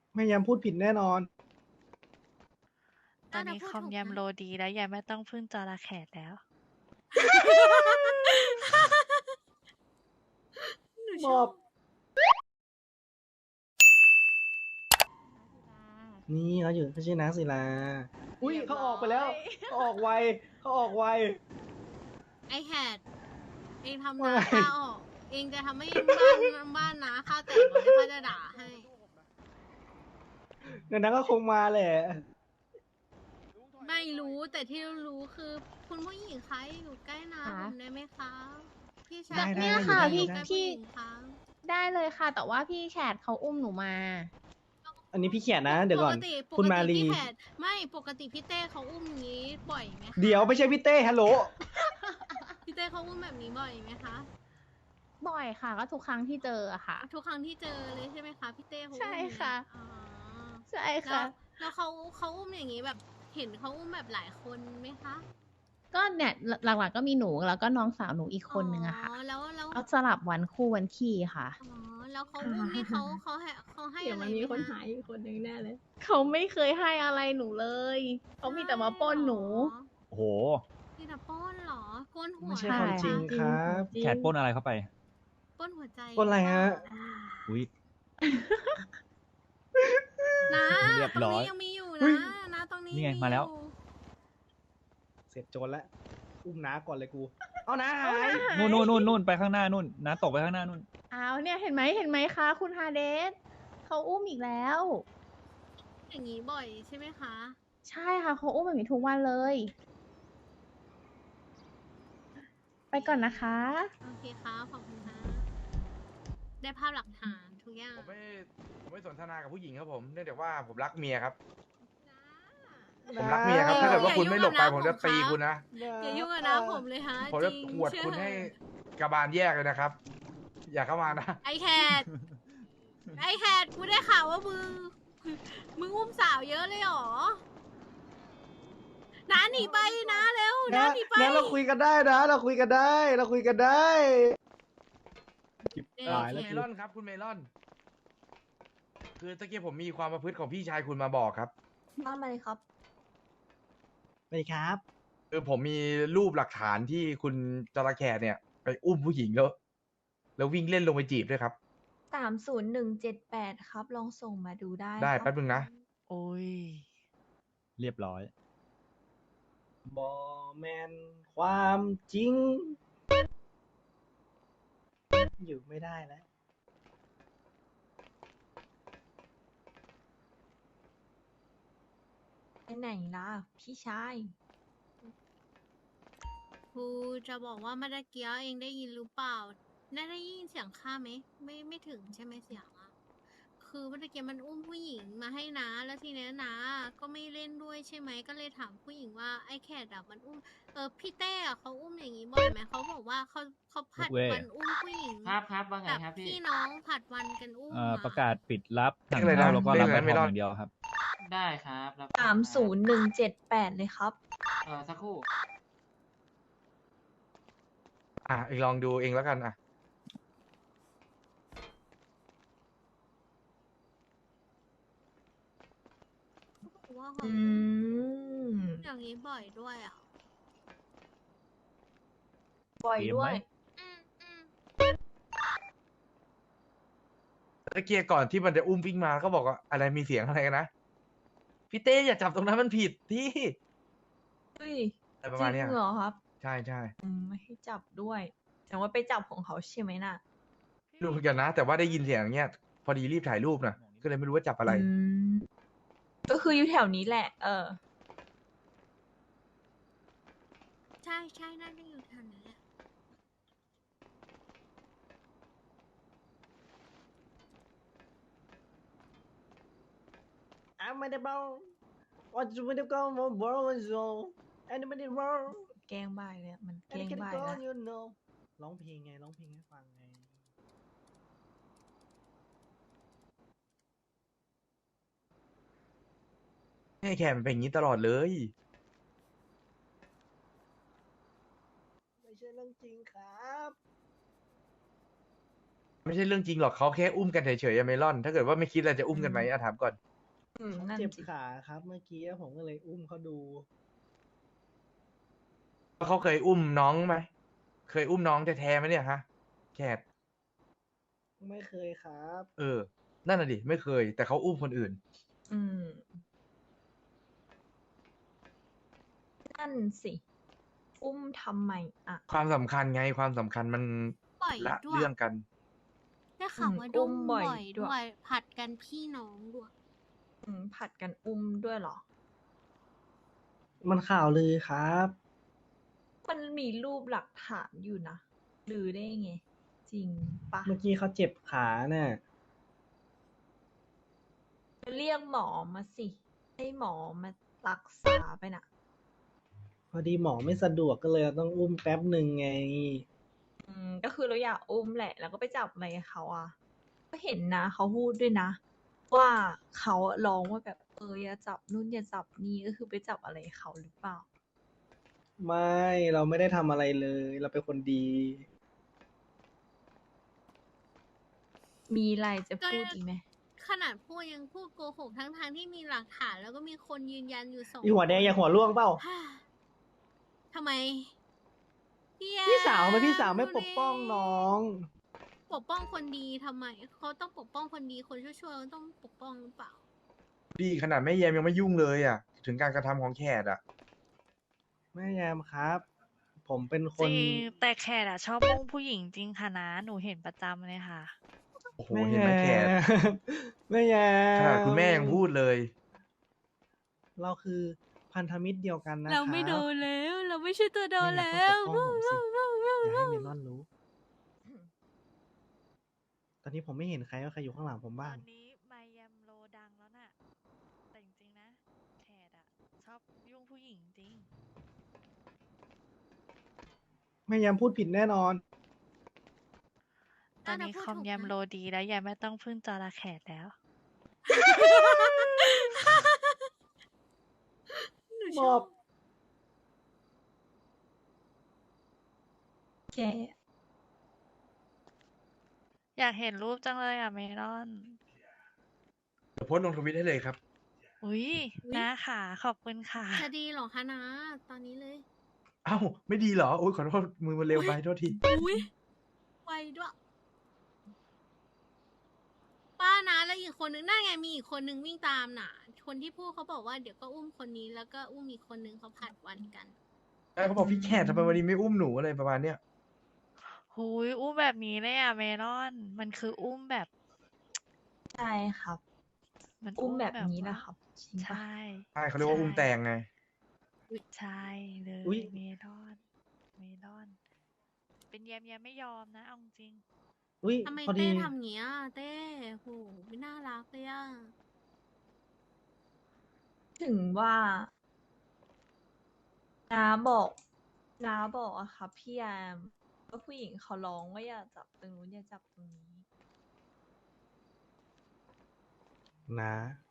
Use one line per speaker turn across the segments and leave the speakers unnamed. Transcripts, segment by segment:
ไม่ยามพูดผิดแน่นอน
ตอนนี้คอมยำโลดีแล้วยายไม่ต้องพึ่งจระแขกแล้ว
หนู
ม
ช
อ
อ
บบ นี่เขาอยู่เขาชื่อนางศิลาอุ้ยเขาออกไปแล้วเขาออกไวเขาออกไว
ไอแฮดเองทำ
ว่า
นา
ไง
ข้าออก เองจะทำให้บ้านนาข้าแตกหมดเลยข้าจะด่าให้
เดี๋ยวนั้นก็คงมาแหละ
ไม่รู้แต่ที่รู้คือคุณผู้หญิงคะอยู่ใกล้นาผมได้ไหมคะพี่ชาย
ได้
เนี่ยค่ะ
ได้
พี่
ได้
พี่
คะ
ได้เลยค่ะ แต่ว่าพี่แขกเขาอุ้มหนูมา
อันนี้พี่เขียนนะ เดี๋ยวก่อน
ป
คุณ
ก
มา
ติ
ลี
พี่แขกไม่ปกติพี่เต้เขาอุ้มอย่างนี้บ่อยไหมคะ
เดี๋ยวไม่ใช่พี่เต้ฮัลโหล
พี่เต้เขาอุ้มแบบนี้บ่อยไหมคะ
บ่อยค่ะ ก็ทุกครั้งที่เจออะค่ะ
ทุกครั้งที่เจอเลยใช่ไหมคะพี่เต้เขาอุ้ม
ใช่ค่ะ
อ๋อ
ใช่
แล้
ค่ะ
วแล้วเขาอุ้มอย่างนี้แบบ เห็นเขาอุ้มแบบหลายคนไหมคะ
ก็เนี่ยหลักๆก็มีหนูแล้วก็น้องสาวหนูอีกคนนึงอะค่ะ
อ๋อแล้ว
เอาสลับวันคู่วันขี้ค่ะ
อ๋อแล้วเขาอุ้มนี่เขาให้
เดี๋ยว
อะไร
มันมี
ไห
คน
คะ
หายอีกคนนึงแน่เลย
เขาไม่เคยให้อะไรหนูเลย เขามีแต่มาปล้นหนู
โอ้โห
มีแต่ปล้นเหรอปล้นหัว
ไม่ใช่
ใช่
ความจริงครับ
แขกปล้นอะไรเข้าไป
ปล้นหัวใจ
ปล้นอะไรฮะ
อุ้ย
นะ
เรียบ
ตรง
ร้อย
นี้ยังมีอยู่
เฮ้
นะ
ย
นะตรงนี้
นี่ไงมาแล้ว
อยู่
เสร็จโจรแล้วอุ้มน้าก่อนเลยกู เอาน้าหาย
นู่นไปข้างหน้านู่นนะตกไปข้างหน้านู่น
อ้าวเนี่ยเห็นไหมคะคุณฮาเดสเขาอุ้มอีกแล้ว
อย่างนี้บ่อยใช่ไหมคะ
ใช่ค่ะเขาอุ้มแบบนี้ทุกวันเลย ไปก่อนนะคะ
โอเคครับขอบคุณค่ะได้ภาพหลักฐานทุกอย่าง
ผมไม่สนทนากับผู้หญิงครับผมเนื่องจากว่าผมรักเมียครับ
นะ
ผมรักเมียครับ ถ้าเกิดว่าคุณไม่หลบไป
อย่ายุ่
ผ
ง
ม
กับ
จะตี
น้าผม
คุณนะ
อย่ายุ่งกับน้าผมเลยฮะ
ผมจะ
จริง
ขวด
เชื่อ
คุณให้กระบาลแยกเลยนะครับ อย่าเข้ามานะ
ไอแคทไอแคทกูได้ข่าวว่ามึงอุ้มสาวเยอะเลยเหรอน้าหนีไปนะเร็วน้า
นะ
หนีไป
นะเราคุยกันได้นะ เราคุยกันได้ เราคุยกันได้
เอ
ตายแล้ว
เมลอนครับคุณเมลอน คือตะกี้ผมมีความประพฤติของพี่ชายคุณมาบอกครับ
ว่ามาเลยครับ
ไปครับ
คือผมมีรูปหลักฐานที่คุณจระแคเนี่ย ไปอุ้มผู้หญิงแล้ววิ่งเล่นลงไปจีบด้วยครับ
30178 ครับ ลองส่งมาดูได้
ได้
ครับ
แป๊บนึงนะ
โอ้ย
เรียบร้อย
บอแมนความจริง อยู่ไม่ได้แล้ว
ไปไหนล่ะ พี่ชาย
ครูจะบอกว่าเมื่อกี้เองได้ยินหรือเปล่าได้ยินเสียงข้าไหมไม่ถึงใช่ไหมเสียงอะคือเมื่อกี้มันอุ้มผู้หญิงมาให้นะแล้วทีนี้นะก็ไม่เล่นด้วยใช่ไหมก็เลยถามผู้หญิงว่าไอ้แคทอะมันอุ้มพี่เต้อะเขาอุ้มอย่างนี้บ่อยไหมเขาบอกว่าเขาผัด
ทุกเว้ย
วันอุ้มผู้หญิง
ครับว่าไง
แบบ
ครับพี่
พี่น้องผัดวันกันอุ้มอ
ประกาศปิดรับถัง
เรียกอะไรนะ
เช่าแล้วก็รับ
เรียกอะไร
ใบ
ไม่
ท
ร
อ
อง ด
อย่างเดียวครับ
ได้ครับรับ
30178 เลยครับ
สักครู่
อ่ะเองลองดูเองแล้วกันอ่ะ
ว่าเขา
อืม
อย่างนี้บ่อยด้วยอ่ะ
บ่อยด้วย
อืม
ตะเกียก่อนที่มันจะอุ้มวิ่งมาก็บอกว่าอะไรมีเสียงอะไรกันนะ พี่เต้อย่าจับตรงนั้นมันผิดที่
เฮ้ย
อะไรป
จ
ระมาณเนี้
ริ
ย
งเหรอครับ
ใช่ใช่
ไม่ให้จับด้วยแต่ว่าไปจับของเขาใช่ไหมน่ะ
ไม่รู้เหมือนกันนะ แต่ว่าได้ยินเสียงอย่างเงี้ย พอดีรีบถ่ายรูปนะก็เลยไม่รู้ว่าจับอะไร
มก็คืออยู่แถวนี้แหละ
ใช่ใช่น่าจะอยู่แถวนั้นแหละ
I'm at the bar. What's with the call for Bozo? And the bar.
แกล้งบ่ายเลยอะมันแก
And
ล้ง
the
บ่าย
call
แล้ว
you know. ร้องเพลงไง ร้องเพลงให้ฟังไง
ให้แคมนเป็นอย่างนี้ตลอดเลย
ไม่ใช่เรื่องจริงครับ
ไไม่ใช่เรื่องจริงหรอกเขาแค่อุ้มกันเฉยๆอะเมลอน ถ้าเกิดว่าไม่คิดอะไรจะอุ้มกันไหมถามก่อน
เขา
นั่น
เจ็บ
สิ
ขาครับเมื่อกี้ผมก็เลยอุ้มเขาดู
เขาเคยอุ้มน้องไหมเคยอุ้มน้องแท้ๆไหมเนี่ยฮะแคท
ไม่เคยครับ
นั่นน่ะดิไม่เคย แต่เขาอุ้มคนอื่น
อืมนั่นสิ อุ้มทำไมอ่ะ
ความสำคัญไงความสำคัญมัน
บ่อย
ละ
ด้วย
เรื่องกัน
ได้ข่าวว่า
อุ้
ดุ้ม
มบ่
บ่
อย
อย
ด้
ด้
ว
วย ย ผัดกันพี่น้องด้วย
ผัดกันอุ้มด้วยเหรอ
มันข่าวลือครับ
มันมีรูปหลักฐานอยู่นะหรือได้ไง จริงปะ
เมื่อกี้เขาเจ็บขาน่ะ
เรียกหมอมาสิ ให้หมอมารักษาไปน่ะ
พอดีหมอไม่สะดวกก็เลยต้องอุ้มแป๊บหนึ่งไง
ก็คือเราอยากอุ้มแหละ แล้วก็ไปจับอะไรเขาอ่ะ ก็เห็นนะเขาพูดด้วยนะ ว่าเขาร้องว่าแบบอย่าจับนู่นอย่าจับนี่ก็คือไปจับอะไรเขาหรือเปล่า
ไม่เราไม่ได้ทำอะไรเลย เราเป็นคนดี
มีอะไรจะพูดอีกไหม
ขนาดพูดยังพูดโกหกทั้งๆที่มีหลักฐานแล้วก็มีคนยืนยันอยู่2
อีหัวแดงอย่าหัวร่วงเปล่า
ทำไม
พี่สาวทำไมพี่สาวไม่ปกป้องน้อง
ปกป้องคนดีทำไม เขาต้องปกป้องคนดีคนชั่วๆต้องปกป้องหรือเปล่า
ดีขนาดแม่แยมยังไม่ยุ่งเลยอ่ะ ถึงการกระทำของแขกอ่ะ
แม่ยามครับ ผมเป็นค
จ
น
ริงแต่แขกอะชอบมุ่งผู้หญิงจริงค่ะนะ หนูเห็นประจำเลยค่ะ
โอ้โหเห็นไหมแขก
แม่ยาม
ขนาดคุณแม่ยังพูดเลย
เราคือพันธมิตรเดียวกันนะครับ
เราไม่โดนแล้ว เราไม่ใช่ตัวโดน
ไม่
แล้
อยาก
ว
ต้องปกป้องผมสิ อย่าให้เมลอนรู้ ตอนนี้ผมไม่เห็นใครว่าใครอยู่ข้างหลังผม
ต
บ้า
อง นนี้ไมยมโลดังแล้วน่ะ แต่จริงๆนะ แขกอะชอบยุ่งผู้หญิงจริง
แม่ยามพูดผิดแน่นอน
ตอนนี้คอมยมโลดีแล้วยายไม่ต้องพึ่งจอระแขกแล้ว
มอบ
แก
อยากเห็นรูปจังเลยอะเมลอน
เดี๋ยวโพสต์ลงทวิตให้เลยครับ
อุ้ยนะค่ะ ขอบคุณค่ะ
จะดีเหรอคะนะ ตอนนี้เลย
เอ้าไม่ดีเหรอโอ้ยขอโทษมือมันเร็วไปโทษที
อุ้ยไวด้วย ป้านะแล้วอีกคนนึงนั่นไงมีอีกคนนึงวิ่งตามน่ะ คนที่พูดเขาบอกว่าเดี๋ยวก็อุ้มคนนี้แล้วก็อุ้มอีกคนนึงเขาผัดวันกัน
เขาบอกพี่แขกทำไมวันนี้ไม่อุ้มหนูอะไรประมาณเนี้ย
หุยอุ้มแบบนี้เลยอะเมลอน มันคืออุ้มแบบ
ใช่ครับ
มัน
อุ้มแบบนี้
ว่า
นะครับจริง
ใช่
ปะ
ใช่เขาเรียกว่าอุ้มแตงไง
ใช่เลย
อุ๊ย
เมลอน เมลอน เป็นแยมแยมไม่ยอมนะเอาจริง
อุ้ย
ทำไม
พอดี
เต้ทำอย่างเงี้ยเต้โหไม่น่ารักเลยอ่ะ
ถึงว่าน้าบอกอะค่ะพี่แอมว่าผู้หญิงเขาร้องว่าอย่าจับตรงนู้นอย่าจับตรงนี้
นะ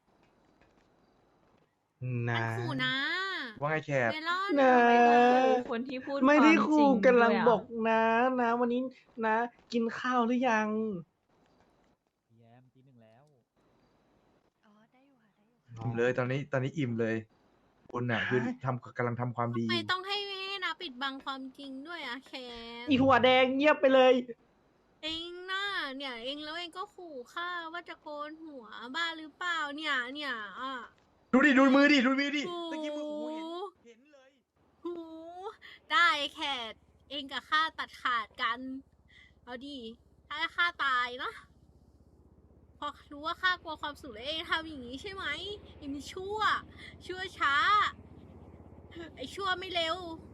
มัน
นะ
ขู่นะ
ว่าไงแขก
เมลอน
นะ
คนที่พูด
ไม่ได้
ความ
ขู่
จริง
กำลัง
ด้วยะ
บอกนะนะ วันนี้นะ กินข้าวหรือยัง
แยมตีหนึ่งแล้ว
อ๋อ ได้อยู่ค่ะ ได้อยู่
อ๋อ
อิ่มเลยตอนนี้อิ่มเลยคุณน่ะคือกำลังทำความดี
ไม่ต้องให้นะปิดบังความจริงด้วยอะแคม
อีหัวแดงเงียบไปเลย
เองน่ะเนี่ยเองแล้วเองก็ขู่ข้าว่าจะโกนหัวบ้าหรือเปล่าเนี่ยอ่ะ
ดูดิดูมือดิ
โอ้
ตะกี้มือโอ้โหเห็นเลย
หูได้แคทเองกับข้าตัดขาดกัน เอาดิถ้าข้าตายนะพอรู้ว่าข้ากลัวความสุขแล้วเองทำอย่างนี้ใช่ไหมเองมีชั่วช้า ไอชั่วไม่เร็ว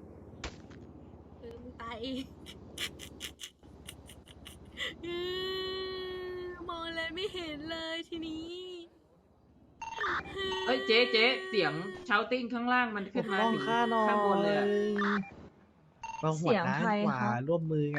มึงตายเองมองอะไรไม่เห็นเลยทีนี้
เอ้ยเจ๊เสียงเชาติ้งข้างล่างมัน
ป
ขึ้น
ก
มา
ป้อง
ถึง
ข้าหน่อย
ข้างบนเลยอะ
เราหัว
เสียง
ด้าน
ใคร
กว่า
คะ
ร่วมมือกัน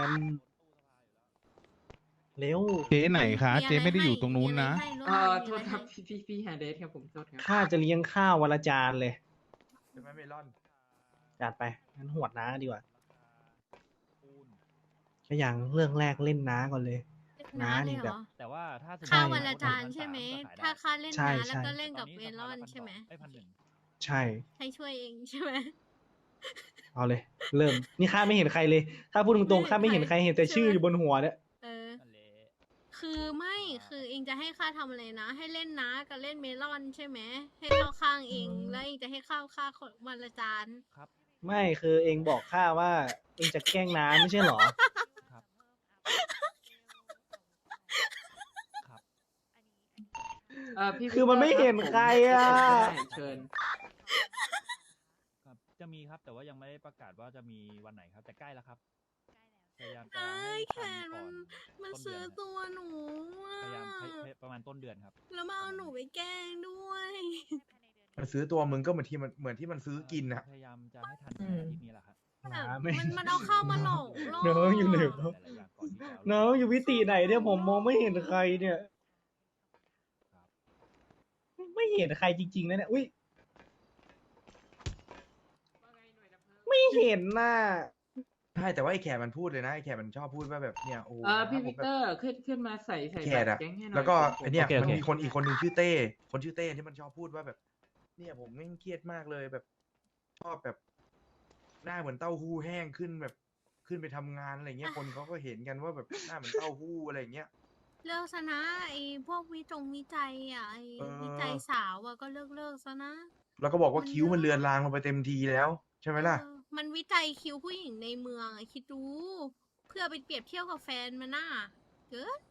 เร็ว
เจ๊ไหนคะ
มีอะไร
เจ๊ไม่ได้อยู่ตรงนู้นนะ
มีอะไรให้
โทษครับ
มีอะไให้
พี่ฮาเดสครับผมโทษครับ
ข้าจะเลี้ยงข้าววันละจานเลย
ใช่ไหมเมลอน
จัดไป งั้นหวดน้าดีกว่าก็อย่างเรื่องแรกเล่นน้าก่อนเลย
น้า
น้า
เล
นี่
ยเห
แบ
ร
บ
อ
แต่ว่าถ้าสมมติ
ค่า
ใช่
วันละ
ว่
จาน
1,300
ใช่ไหม
ก็ขยได้
ถ้าค่าเล่น
ใช่
น้าแล้ว
ใช่
ก็เล่นกับ
ตอ
เมลอนใช่ไหม
1,200
ใช่
ให้ช่วยเองใช่ไหม
เอาเลย เริ่ม นี่ข้าไม่เห็นใครเลย ถ้าพูดตรงๆข้าไม่เห็นใครเห็นแต่ชื่ออยู่บนหัวเนี่ย
เออ
นั่นแหละ
คือไม่คือเองจะให้ข้าทำอะไรนะ ให้เล่นน้ากับเล่นเมลอนใช่ไหม ให้เข้าข้างเองแล้วเองจะให้เข้าข้างคนวันละจาน
ครับ
ไม่คือเองบอกข้าว่า เองจะแกล้งน้าไม่ใช่เหรอ
ครับ ครับ
พี่
คือมันไม่เห็นใครอะ
เชิญ
ครับ จะมีครับ แต่ว่ายังไม่ได้ประกาศว่าจะมีวันไหนครับ แต่ใกล้แล้วครับ พยายามจะ
ไอ้
ให้
แข
ทัน
น
ก่
มั
อน นต้นเดื
ซื้
อ
อน
ครับ
ตัวหนูอะ
พยายามประมาณต้นเดือนครับ
แล้วมาเอาหนูไปแกล้งด้วย
มันซื้อตัวมึงก็เหมือนที่มันซื้อกินนะ
พยายามจะให้ทัน
อืม
อาทิตย์นี้แหละครับ
น้าไม่
มันเอาเข้ามาหลอกล่อ
น้องอยู่ไหนวะ
หลายๆอย่างก่อนที่จะเอา
น้องอยู่วิติไหนเนี่ยผมมองไม่เห็นใครเนี่ย
ครับ
ไม่เห็นใครจริงๆนะเนี่ย อุ้ย ไม่เห็นน่ะ
ใช่แต่ว่าไอ้แขกมันพูดเลยนะไอ้แขกมันชอบพูดว่าแบบเนี่ยโอ้โห
พี่
ผ
วิ
ม
ก
แบบ
เตอร์ขึ้นมาใส่
แข
บั
ก
ตร
อะ
แก๊งให้หน่อย
แล้วก็
ผม
ไอเนี่ย
โอเคโอ
มัน
เค
มีคนอีกคนหนึ่งชื่อเต้คนชื่อเต้ที่มันชอบพูดว่าแบบ เนี่ยผมแม่งเครียดมากเลยแบบ ชอบแบบ หน้าเหมือนเต้าหู้แห้งขึ้นแบบขึ้นไปทำงานอะไรเงี้ยคนเขาก็เห็นกันว่าแบบหน้าเหมือนเต้าหู้อะไรเงี้ย
เลิกซะนะไอ้พวกวิจัยอ่ะไอ้
เออ
วิจัยสาวอ่ะก็เลิกซะนะ
แล้วก็บอกว่าคิ้วมันเลือนลางลงไปเต็มทีแล้ว ใช่ไหมล่ะ
เออมันวิจัยคิวผู้หญิงในเมืองอะคิดดูเพื่อไปเปรียบเทียบกับแฟนมันน่ะเกิด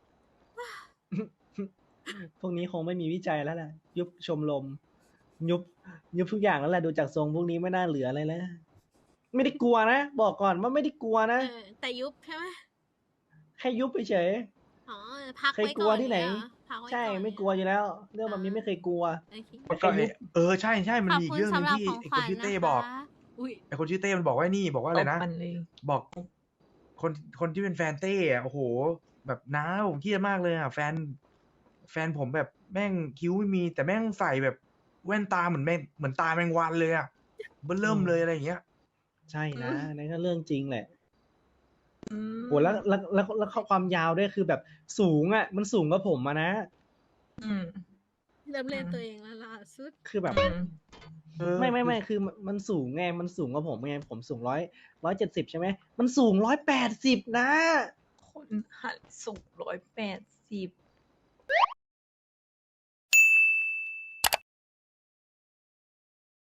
พวกนี้คงไม่มีวิจัยแล้วแหละยุบชมรมยุบทุกอย่างแล้วแหละดูจากทรงพวกนี้ไม่น่าเหลืออะไรแล้วไม่ได้กลัวนะบอกก่อนว่าไม่ได้กลัวนะ
แต่ยุบใช่ไหม
แค่ยุบเฉย
อ๋อพัก
เคย
ไว้
กลั
ก่
ว
อน
ที่ไหน
เนี่ยเรอพักไว้
ใช่
ก่อน
ไม่
เนี่ย
กลัวอยู่แล้ว เรื่องแบบนี้ไม่เคยกลัว
โอเค
มันก็ใช่ใช่มัน
ขอบ
มีอีก
คุณ
เรื่องหนึ
สำ
ง
หรับ
ที่
ของ
ไอ้
ข
คน
วัญ
ชื่อ
นะ
เต้
คะ
บอก
อุ้ย
ไอ้คนชื่อเต้มันบอกว่านี่บอกว่าอะไรนะ
ตบมันเลย
บอกคนที่เป็นแฟนเต้อะโอ้โห แบบน้าผมเครียดมากเลยอะแฟนผมแบบแม่งคิ้วไม่มี แต่แม่งใส่แบบแว่นตาเหมือนเหมือนตาแมงวันเลยอะเบิ่มเลยอะไรอย่างเงี้ย
ใช่นะนั่นก็เรื่องจริงแหละ
อืม
โหแล้วข้อความยาวด้วยคือแบบสูงอ่ะ มันสูงกว่าผมอะนะ
อืม
เริ่มเล่นตัวเองแล้วล่ะสุด
คือแบบ
อืม
ไม่คือมันสูงไงมันสูงกว่าผมไงผมสูง170ใช่ไหมมันสูง180นะ
คนหันสูง180